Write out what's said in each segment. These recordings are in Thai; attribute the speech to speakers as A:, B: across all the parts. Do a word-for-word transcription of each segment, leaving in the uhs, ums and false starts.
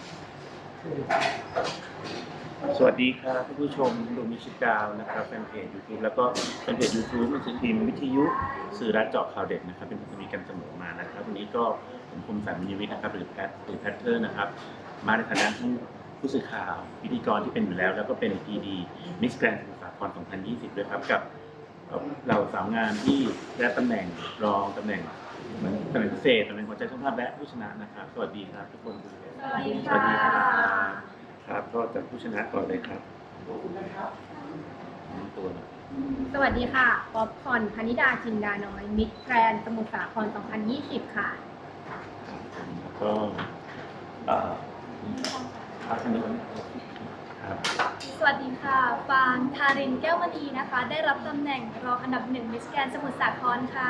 A: สวัสดีครับท่านผู้ชมดูมิชิกาวนะครับแฟนเพจ YouTube แล้วก็แฟนเพจ YouTube หนังสือพิมพ์วิทยุสื่อรัฐเจาะข่าวเด็ดนะครับเป็นพันธมิตรกันเสมอมานะครับวันนี้ก็ผมคมสันต์ มิญญวิทย์นะครับหรือแพทหรือแพทเทอร์นะครับมาในฐานะทั้งผู้สื่อข่าวพิธีกรที่เป็นอยู่แล้วแล้วก็เป็น พี ดี Miss Grand สมุทรสาคร สองพันยี่สิบ ด้วยครับกับเราสาวงามที่ได้ตำแหน่งรองตำแหน่งเหมือนตำแหน่งพิเศษตำแหน่งหัวใจช่างภาพและผู้ชนะนะครับสวัสดีครับทุกคน
B: สวัสดีค่ะ
A: ครับก็จากผู้ชนะก่อนเลยครับตัว
B: สวัสดีค่ะป๊อปคอร์นพนิดาจินดาน้อยมิสแกรนด์สมุทรสาคร สองพันยี่สิบ ค่ะ
A: ก็เอ่อครับท่านนี้ครับ
C: สวัสดีค่ะฟางทารินแก้วมณีนะคะได้รับตำแหน่งรองอันดับหนึ่งมิสแกรนด์สมุทรสาครค่ะ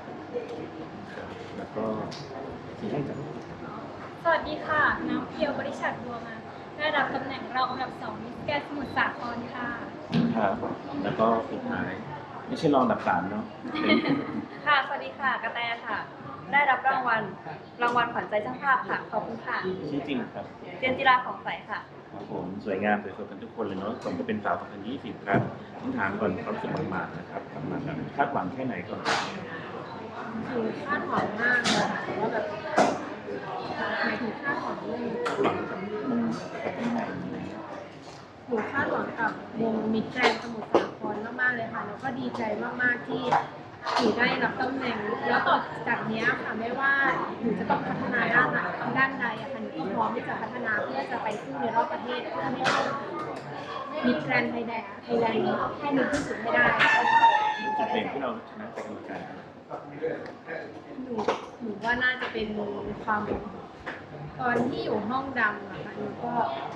A: แล้วก็ที่ให้กับ
C: สวัสดีค่ะน้ำเพียวบริษัทบัวมาได้รับตำแหน่งรองอันดับสองมิสแกรนด์สมุทรสาครค่ะ
A: ครับแล้วก็สุดท้ายไม่ใช่รองอันดับสามเนาะ
D: ค่ะสวัสดีค่ะกระแตค่ะได้รับรางวัลรางวัลขวัญใจช่างภาพค่ะขอบคุณค่ะ
A: ชื่อจริงครับ
D: เจนจิราของใสค่ะ
A: ครับผมสวยงามสวยสดกันทุกคนเลยเนาะผมก็เป็นสาวสองพันยี่สิบครับต้องถามก่อนความรู้สึกหมาดๆนะครับหมาดๆคาดหวังแค่ไหนก่อน
B: คือคาดหวังมากเลยค่ะว่าแบบหมายถึงคาดหวังเรื่อง
A: หวังกับมุมกับที่ไหน
B: หนูคาดหวังกับวงมิสแกรนด์สมุทรสาครมากๆเลยค่ะแล้วก็ดีใจมากๆที่หนูได้รับตำแหน่งแล้วต่อจากนี้ค่ะไม่ว่าหนูจะต้องพัฒนาด้านไหนด้านใดอะค่ะหนูก็พร้อมที่จะพัฒนาเพื่อจะไปสู้ในรอบประเทศเพื่อให้มิสแกรนด์ไทยแลนด์ไทยแลนด์ให้หนึ่งที่สุดให้ได้
A: จุดเด่นที่เราชนะจากกรรมการ
B: หนูหนูว่าน่าจะเป็นความตอนที่อยู่ห้องดำอะค่ะหนูก็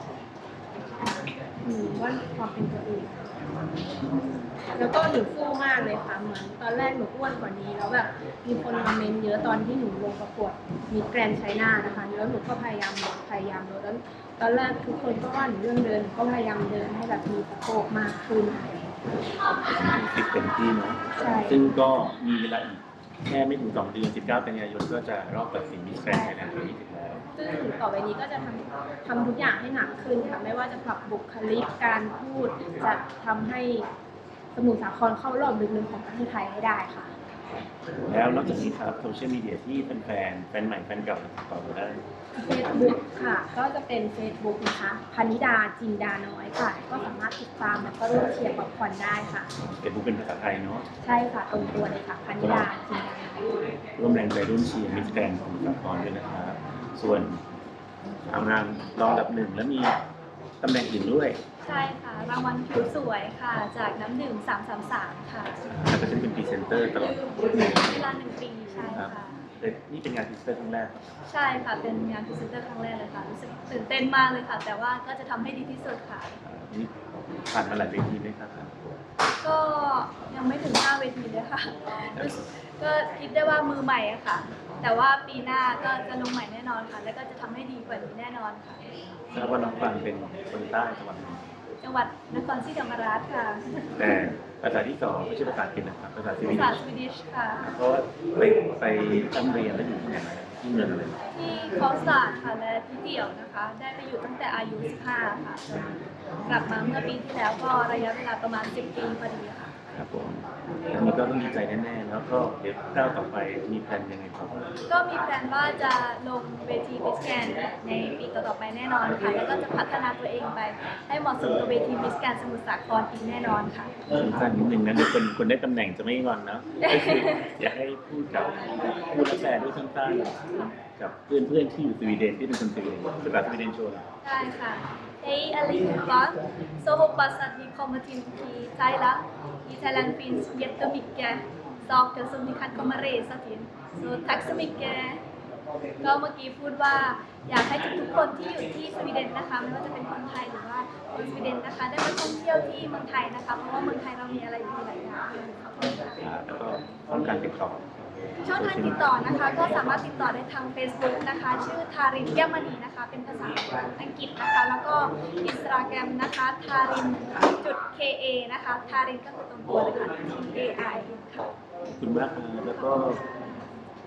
B: หนูว่าความเป็นตัวเองแล้วก็หนูฟู่มากเลยค่ะเหมือนตอนแรกหนูอ้วนกว่านี้แล้วแบบมีคนมาเมนเยอะตอนที่หนูลงประกวดมิสแกรนด์ไชน่านะคะแล้วหนูก็พยายามลดพยายามลดแล้วตอนแรกทุกคนก็ว่าหนูเรื่องเดินก็พยายามเดินให้แบบมีสะโพกมากขึ้น
A: ติดเต็มที่เนาะซึ่งก็มีเวลาอีกแค่ไม่ถึงสองเดือนสิบเก้ากันยายนก็จะรอบตัดสินมิสแกรนด์ไทยแลนด์ปีที่สิบแล้ว
B: ซึ่งต่อไปนี้ก็จะทำทำทุกอย่างให้หนักขึ้นค่ะไม่ว่าจะปรับบุคลิกการพูดจะทำให้สมุทรสาครเข้ารอบลึกๆของประเทศไทยให้ได้ค่ะ
A: แล้วนอกจากนี้ครับโซเชียลมีเดียที่เป็นแฟนแฟนใหม่แฟนเก่าติดต่อมาได้
B: เฟซบุ๊กค่ะก็จะเป็น Facebook นะคะพนิดาจินดาน้อยค่ะก็สามารถติดตามแล้วก็ร่วมเชียร์ป๊อปคอร์นได้ค่ะ
A: เฟซบุ๊กเป็นภาษาไทยเนาะ
B: ใช่ค่ะตรงตัวเลยค่ะพนิดาจินดาน้อย
A: ร่วมแรงใจร่วมเชียร์มิสแกรนด์ของสาครด้วยนะครับส่วนทางงานรองอันดับหนึ่งแล้วมีตำแหน่งอื่นด้วย
C: ใช่ค่ะรางวัลผิวสวยค่ะจากน้ำดื่มสามสามสามค่ะ
A: แล้วก็จะเป็นพรีเซนเตอร์ตลอด
C: เวลาหนึ่งปีใช่ค่ะ
A: นี่เป็นงานพรีเซนเตอร์ครั้งแรก
C: ใช่ค่ะเป็นงานพรีเซนเตอร์ครั้งแรกเลยค่ะรู้สึกตื่นเต้นมากเลยค่ะแต่ว่าก็จะทำให้ดีที่สุดค่ะ
A: นี่ผ่านมาหลายเวทีไหมครับ
C: ก็ยังไม่ถึงห้าเวทีเลยค่ะก็คิดได้ว่ามือใหม่อะค่ะแต่ว่าปีหน้าก็จะลงใหม่แน่นอนค่ะแล้วก็จะทำให้ดีกว่านี้แน่นอนค่ะ
A: ทราบว่าน้องฟังเป็นคนใต้จังหวัด
C: จังหวัดนครศรีธรรมราชค่ะ
A: แต่ภาษาที่สองไม่ใช่ภาษาอังกฤษนะครับภาษาสวีดิช
C: ภาษาสวีดิชค่ะ
A: เพราะไปไปตั้งเรียนแล้วอยู่ที่ไหนที่เมืองอะไร
C: ที่คอสตาร์ค่ะและที่เดี่ยวนะคะได้ไปอยู่ตั้งแต่อายุสิบห้าค่ะกลับมาเมื่อปีที่แล้วก็ระยะเวลาประมาณสิบปีพอดีค่ะ
A: ครับผมอันนี้ก็ต้องดีใจแน่ๆแล้วก็เดี๋ยวก้าวต่อไปมีแผนยังไงครับ
C: ก็มีแผนว่าจะลงเวทีมิสแกรนด์ในปีต่อๆไปแน่นอนค่ะแล้วก็จะพัฒนาตัวเองไปให้เหมาะสมกับเวทีมิสแกรนด์สมุทรสาครอีกแน่นอนค่ะ
A: สั้นๆนิดนึงนะเดี๋ยวคนคนได้ตำแหน่งจะไม่งอนนะก็คืออยากให้พูดกับพูดและแปลด้วยสั้นๆกับเพื่อนๆที่อยู่สวีเดนที่เป็นคนสวีเดนภาษาสวีเดนโชว์
C: ได้ค่ะHej allihopa! Så hoppas att ni kommer till Thailand. I Thailand finns jättemycket saker som ni kan komma resa till. Så tack så mycket! ก็เมื่อกี้พูดว่าอยากให้ทุกๆคนที่อยู่ที่สวีเดนนะคะไม่ว่าจะเป็นคนไทยหรือว่าคนสวีเดนนะคะได้มาท่องเที่ยวที่เมืองไทยนะคะเพราะว่าเมืองไทยเรามีอะไรอยู่หลายอย่าง
A: แล้วก็ต้องการติดต่อ
C: ช่องทางติดต่อนะคะก็สามารถติดต่อได้ทาง Facebook นะคะชื่อทารินแก้วมณีนะคะเป็นภาษาอังกฤษนะคะแล้วก็ Instagram นะคะทารินจุด เค เอ นะคะทารินก็คือตรงตัวเลยค่ะ ที เอ ไอ ค่ะ
A: ขอบคุณมากครับแล้วก็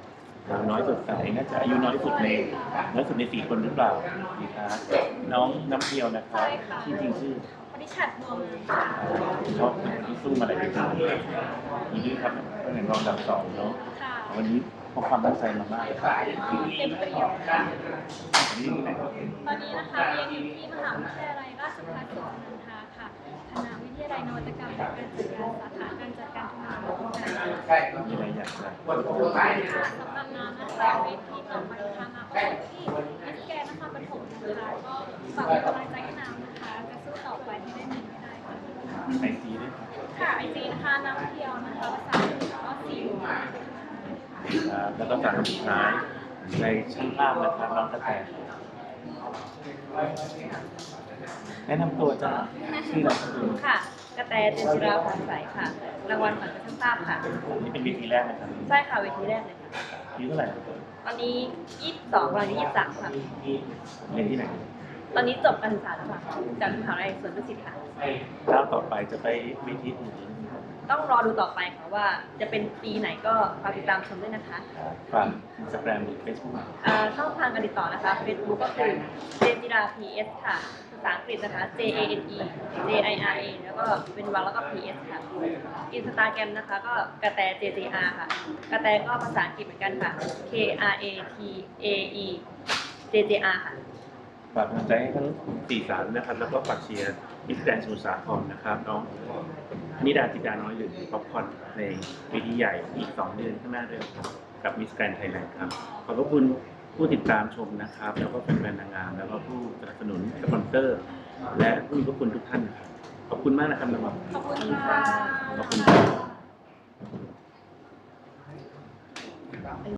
A: สาวน้อยสดใสน่าจะอายุน้อยสุดในน้อยสุดในสี่คนหรือเปล่าดีครับน้องน้ำเพียวนะครับที่จริงชื่อ
C: วันนี้ฉัดบัวมา
A: ชอบเป็นคนที่สู้มาหลายปียินดีครับเป็นรองอันดับสองเนาะ
C: ค่ะ
A: วันนี้พกความตั้งใจมามากครับ
C: เต็มเปี่ยมค่ะ
A: วันนี้ที่ไหนครับ
C: ตอนนี้นะคะเรียนอยู่ที่มหาวิทยาลัยราชภัฏสวนนันทาค่ะคณะวิทยาลัยนวัตกรรมและการจัดการสาขาการจัดการธุรกิจและการ
A: มีอะไรอยากจะพูด
C: ค่ะสำหรับน้ำนะคะเวทีต่อไปนะคะมาประกวดที่มิสแกรนด์นครปฐมนะคะก็ฝากเป็นกำลังใจให้น้ำนะคะจะสู้ต่อไปให้ได้หนึ่งให้ได้ค่ะ
A: ไอซีด้วยครับ
C: ค่ะไอจีนะคะน้ำเที่ยวนะคะภาษาอังกฤษก็สี่
A: ครับแล้วก็สามสุดท้ายในช่างภาพนะครับน้องกระแตแนะนำตัวจ้าชื่ออะไรครับ
D: ค่ะ กระแตเจนจิราผ่องใสค่ะ รางวัลขวัญใจช่างภาพค่ะ
A: นี่เป็นวิธีแรกนะครับ
D: ใช่ค่ะเวทีแรกเลยค่ะ
A: อายุเท่าไหร่ครับ
D: ตอนนี้ยี่สิบสองตอนนี้ยี่สิบสามค่ะ
A: เรียนที่ไหน
D: ตอนนี้จบการศึกษาแล้วค่ะจากมหาวิทยาลัยสวนดุสิตค่ะ
A: ก้าวต่อไปจะไปวิธีอื่น
D: ต้องรอดูต่อไปค่ะว่าจะเป็นปีไหนก็ฝากติดตามชมด้วยนะคะ
A: ฝากอินสตาแกรมหรือเฟซบุ๊ก
D: อ่าช่องทางการติดต่อนะคะ Facebook ก็คือเจนจิรา พี เอส ค่ะ ภาษาอังกฤษนะคะ J A N E J I R A แล้วก็เป็นวรรคแล้วก็ พี เอส ค่ะ อินสตาแกรมนะคะก็กระแต J J R ค่ะ กระแตก็ภาษาอังกฤษเหมือนกันค่ะ K R A T A E J J R ค่ะ
A: ฝากกำลังใจให้ทั้งสี่สามนะครับ แล้วก็ฝากเชียร์มิสแกรนด์สมุทรสาครนะครับน้องนิดาจิตาน้อยหรือป๊อปคอร์นในเวทีใหญ่อีกสองเดือนข้างหน้าด้วยครับกับมิสแกรนด์ไทยแลนด์ครับ ขอบพระคุณผู้ติดตามชมนะครับ แล้วก็แฟนๆนางงาม แล้วก็ผู้สนับสนุนสปอนเซอร์ และผู้มีพระคุณทุกท่านนะครับขอบคุณมากนะครับน้อง
B: ขอบคุณค่ะ
A: ขอบคุณครับ